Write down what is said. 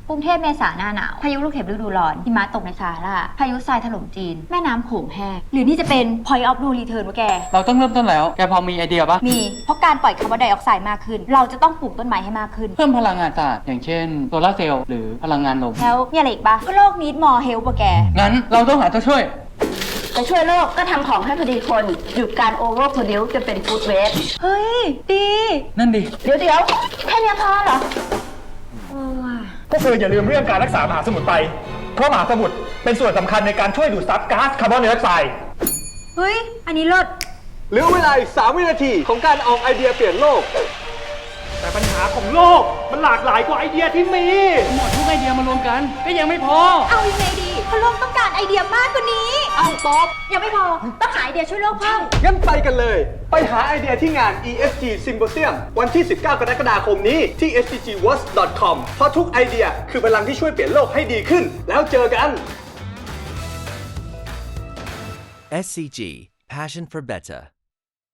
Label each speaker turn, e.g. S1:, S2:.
S1: กรุงเทพเมษาหน้าหนาวพายุลูกเห็บฤดูร้อนหิมะตกในซาฮาราพายุทรายถล่มจีนแม่น้ำโขงแห้งหรือนี่จะเป็น point of no return วะแก
S2: เราต้องเริ่มต้นแล้วแกพอมีไอเดียปะ
S1: มีเพราะการปล่อยคาร์บอนไดออกไซด์มากขึ้นเราจะต้องปลูกต้นไม้ให้มากขึ้น
S2: เพิ่มพลังงานสะอาดอย่างเช่นโซลาร์เซลล์หรือพลังงานลม
S1: แล้วมีอะไรอีกปะก็โลกนี้ more health วะแก
S2: งั้นเราต้องหาตัวช่วย
S3: จะช่วยโลกก็ทำของให้พอดีคนหยุดการโอเวอร์โปรดิวซ์จะเป็นฟู้ดเวสต์
S1: เฮ้ยดี
S2: นั่นดิ
S3: เดี๋ยวแค่นี้พอเหรอ
S4: พวกเธออย่าลืมเรื่องการรักษามหาสมุทรไปเพราะมหาสมุทรเป็นส่วนสำคัญในการช่วยดูดซับก๊าซคาร์บอนไดออกไซด์
S1: เฮ้ยอันนี้เลิศ
S5: เหลือเวลาอีก3 วินาทีของการออกไอเดียเปลี่ยนโลก
S4: แต่ปัญหาของโลกมันหลากหลายกว่าไอเดียที่มี
S2: หมดทุกไอเดียมารวมกันก็ยังไม่พอ
S1: เอายังไงดีเพราะโลกต้องการไอเดียมากกว่านี้เอาตอบยังไม่พอต้องหาไอเดียช่วยโลกเพิ่ม
S5: งั้นไปกันเลยไปหาไอเดียที่งาน ESG Symposium วันที่ 19 กรกฎาคมนี้ที่ sdgworks.com เพราะทุกไอเดียคือพลังที่ช่วยเปลี่ยนโลกให้ดีขึ้นแล้วเจอกัน
S6: SCG Passion for Better